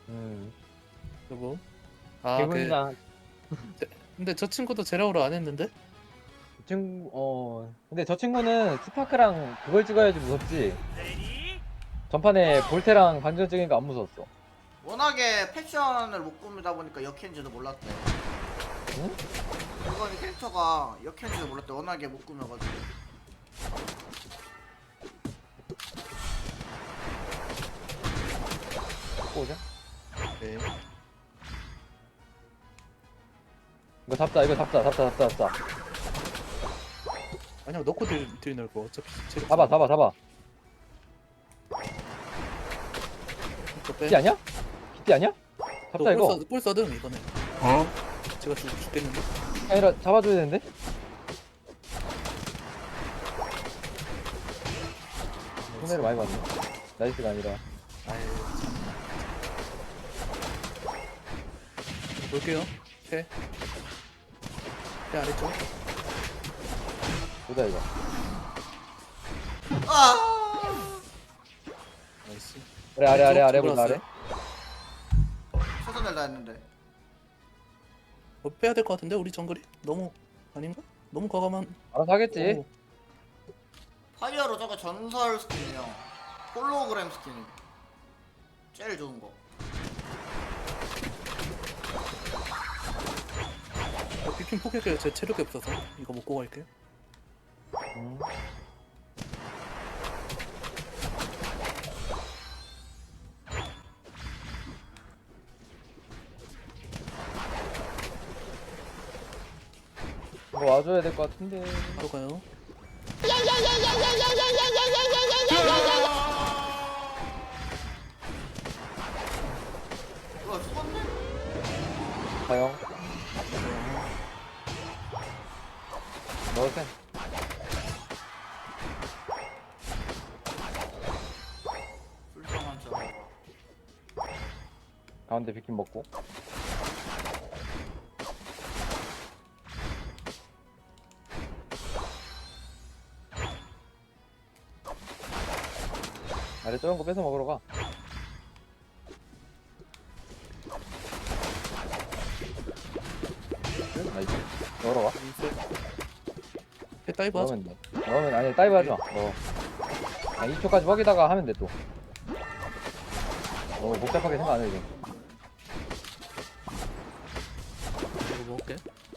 음. 누구? 아, 개군이랑 근데 저 친구도 제라우를 안 했는데? 그 친구 근데 저 친구는 스파크랑 그걸 찍어야지 무섭지. 전판에 볼테랑 반전 찍으니까 안 무서웠어. 워낙에 패션을 못 꾸미다 보니까 역행인지도 몰랐대. 응? 이번에 캐릭터가 역행인지도 몰랐대. 워낙에 못 꾸며가지고. 갖고 오자. 네. 이거 잡자. 아니야, 넣고 딜 넣을 거. 어차피 체력 잡아. 이거 빼. 기티 아니야? 기티 아니야? 잡자 이거. 꿀 써든 이번에. 어? 제가 죽겠는데? 아니라 잡아줘야 되는데? 손해를 많이 봤네. 나이스가 아니라. 아유, 참. 볼게요. 패. 패 아래쪽. 보자 이거. 아! 나이스. 아래 왼쪽 보자 아래. 최선을 다했는데. 빼야 될 것 같은데 우리 정글이? 너무 아닌가? 너무 과감한. 알아서 하겠지. 오, 파이어로 저거 전설 스킨이요. 홀로그램 스킨이. 제일 좋은 거. 비킨 포켓을 제 체력이 없어서 이거 먹고 갈게요. 음. 이거 와줘야 될 것 같은데. 바로 가요. 이거 죽었네? 사용. 넣을게. 불쌍한 저거. 가운데 비킨 먹고. 아래 저런 거 뺏어 먹으러 가. 나이스. 넣으러 가. 패 다이브 하자. 넣으면 아니 다이브 하지 마. 넣어. 2초까지 먹이다가 하면 돼 또. 너무 복잡하게 생각 안 해 지금. 이거 먹을게.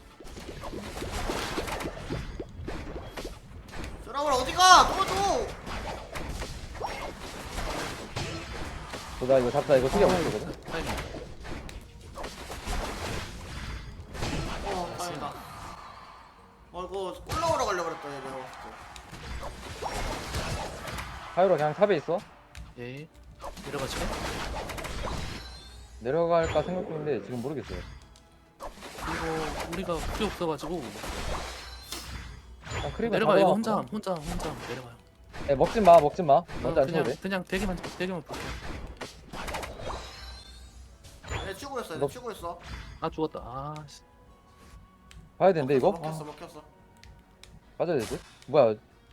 저라वर 어디가? 도와줘! 보자 이거 잡자 이거 튀겨 먹거든. 타이밍. 다행이다. 이거 올라오러 가려고 그랬다, 얘 내가 봤을 때. 하이로 그냥 탑에 있어. 예. 내려가시게. 내려갈까 생각 중인데 지금 모르겠어요. 이거 우리가 필요 없어가지고 그냥 크립을 내려가. 이거 잡아갖고. 혼자 내려가요. 에, 먹지 마. 먼저 안 쳐도 돼. 그냥 대기만 볼게요. 얘 치고 있어, 얘 너- 치고 있어. 아 죽었다. 아 씨. 봐야 되는데 이거? 먹혔어, 아, 먹혔어. 빠져야 되지? 뭐야?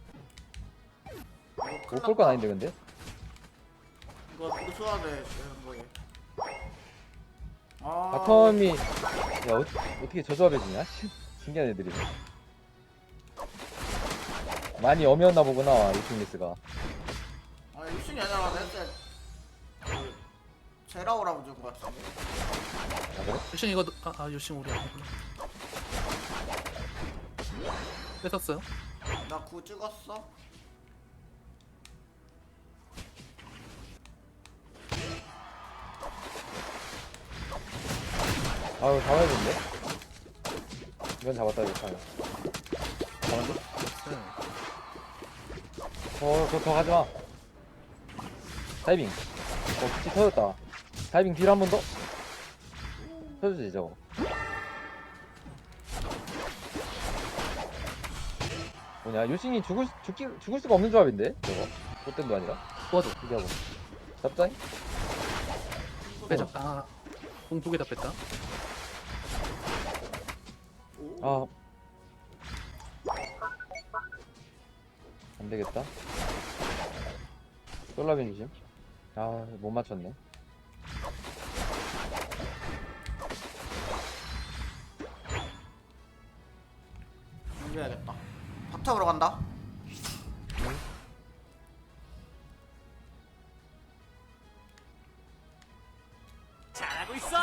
못 볼 건 아닌데 근데? 이거 줘야 돼, 이런 거에. 바텀이 야 어떻게 저 조합에 지냐? 신기한 애들이네. 많이 어미였나 보구나 유충리스가. 아, 유신이 아니라 내 그, 제라오라고 준 거 같은데. 아 그래? 요신 이거 요신 우리 아니구나. 뺏었어요. 나 구 찍었어? 아유 잡아야겠네. 이건 잡았다 이거 하면. 잡았네. 그거 더 가지마. 다이빙. 기치 터졌다. 다이빙 뒤로 한 번 더. 터주지 저거. 뭐냐 유신이 죽을 수가 없는 조합인데 저거. 꽃댐도 아니라. 도와줘. 이기하고. 잡자. 빼자. 공 두 개 다 뺐다. 아. 안 되겠다. 솔라빈 주심. 아, 못 맞췄네. 바텀으로 간다. 잘하고 있어.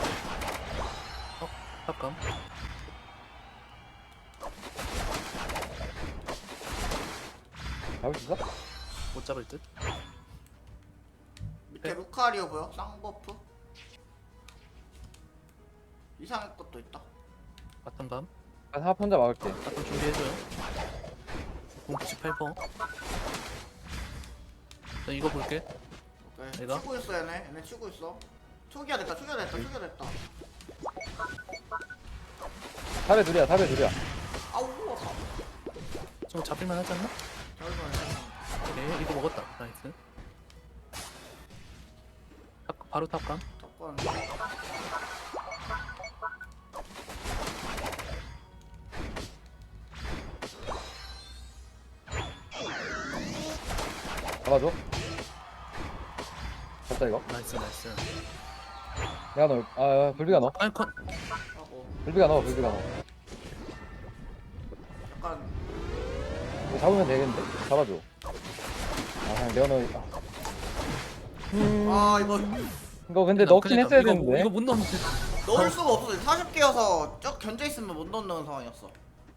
탑감. 잡을 수 있어? 못 잡을 듯. 밑에 루카리오 보여? 쌍버프? 이상한 것도 있다. 바텀감. 나 하나 혼자 막을게. 바텀 준비해줘요. 098%. 나 이거 볼게. 오케이. 내가? 치고 있어 얘네 치고 있어. 초기화 됐다. 탑에 둘이야. 아우 아파. 좀 잡힐만 하지 않나? 잠시만. 오케이, 이거 먹었다. 나이스. 바로 탑감. 잠깐. 잡아줘. 잡자 이거. 나이스. 내가 넣을. 불비가 넣어. 아니, 하고. 불비가 넣어. 약간 이거 잡으면 되겠는데? 잡아줘. 그냥 내가 넣을. 이거 이거 근데 넣긴 했어야 되는데. 이거 못 넣는데. 넣을 수가 없어. 40개여서 쭉 견제 있으면 못 넣는 상황이었어.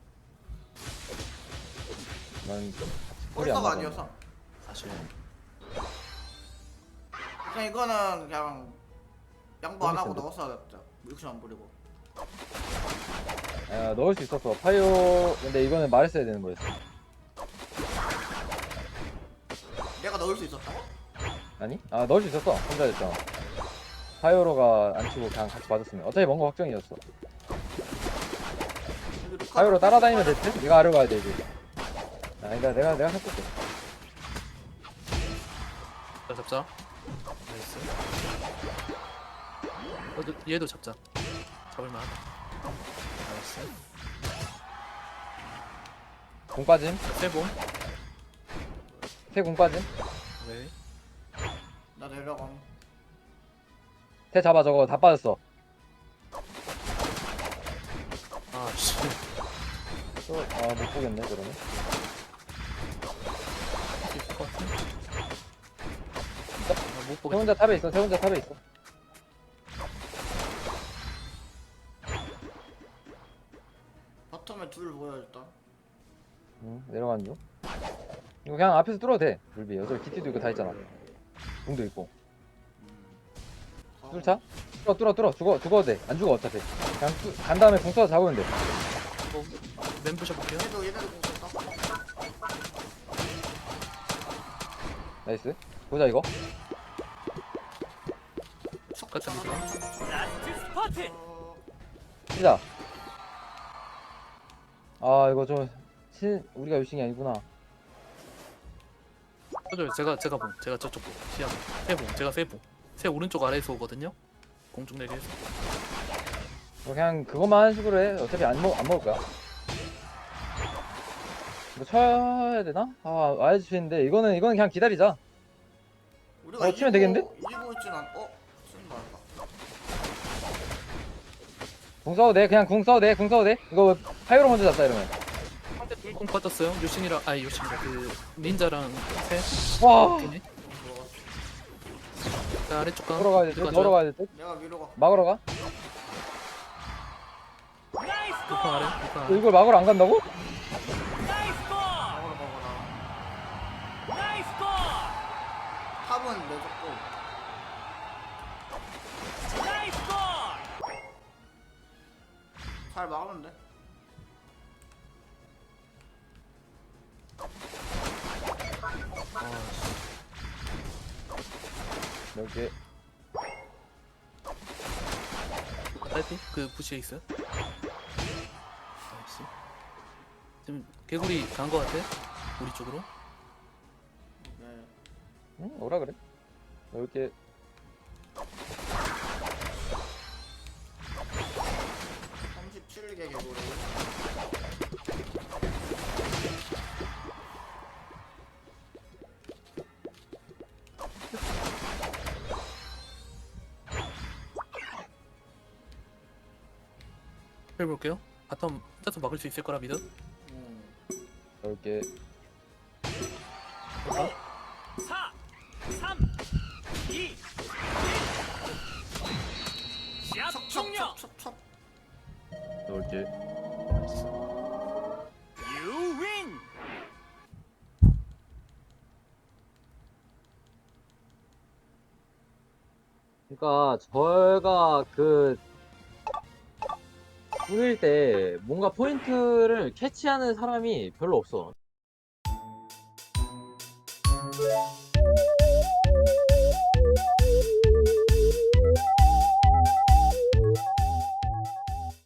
난 꼴사가 아니어서. 사실. 그냥 이거는 그냥 양보 안 하고 재밌었는데? 넣었어야 됐죠. 욕심 안 부리고. 넣을 수 있었어. 파이오. 근데 이거는 말했어야 되는 거였어. 내가 넣을 수 있었다고? 아니? 넣을 수 있었어. 혼자 됐잖아. 파이오로가 안 치고 그냥 같이 맞았으면. 어차피 뭔가 확정이었어. 여기 루카 파이오로 따라다니면 됐지? 네가 아래로 가야 되지. 아니다, 내가 샀을게. 자, 잡자. 나이스. 얘도 잡자. 잡을만 하다. 나이스. 공 빠짐. 세봄. 태 공 빠짐. 네. 나 내려감. 태 잡아, 저거 다 빠졌어. 아, 씨. 못 보겠네, 그러면. 있을 것 같아. 못 태 보겠다. 혼자 탑에 있어, 바텀에 둘 보여 일단. 내려가는 중. 이거 그냥 앞에서 뚫어도 돼, 불비. 어차피 기티도 있고 다 있잖아. 공도 있고. 뚫자? 뚫어. 죽어도 돼. 안 죽어, 어차피. 그냥 간 다음에 공 써서 잡으면 돼. 멘부셔 볼게요. 얘네도 공쳤다. 나이스. 보자, 이거. 같은 거. 라스트 스퍼트. 시작. 이거 우리가 유신이 아니구나. 제가 봄. 제가 저쪽 봄. 시야. 세봄. 제가 세봄. 세 오른쪽 아래에서 오거든요. 공중 내리에서. 그냥 그것만 하는 식으로 해. 어차피 안 먹을 거야. 이거 쳐야 되나? 와야지 치는데 이거는 그냥 기다리자. 우리가 치면 되겠는데? 이기고 있진 않. 쓰는 거 알까? 궁 써도 돼. 그냥 궁 써도 돼. 이거 파이로 먼저 잡자 이러면. 상대 불공 빠졌어요. 요신이랑 그 닌자랑 세. 와. 이네. 자, 아래쪽 가. 넣으러 가야 될 듯. 넣으러 가야 될 듯. 내가 위로 가. 막으러 가. 나이스 골. 불공 아래. 불공 아래. 이걸 막으러 안 간다고? 나이스 골. 먹어라. 나이스 골. 탑은 내줬고. 나이스 골. 잘 막으면 돼. 이렇게. 딸피? 그 부시에 있어요? 나이스. 지금 개구리 간 거 같아? 우리 쪽으로? 네. 오라 그래. 이렇게. 37개 개구리. 해볼게요. 바텀 혼자서 막을 수 있을 거라 믿어? 넣을게. 4, 3, 2, 1. 시합 종료. 첩첩첩첩. 넣을게. You win. 그러니까 저희가 그 꾸밀 때 뭔가 포인트를 캐치하는 사람이 별로 없어.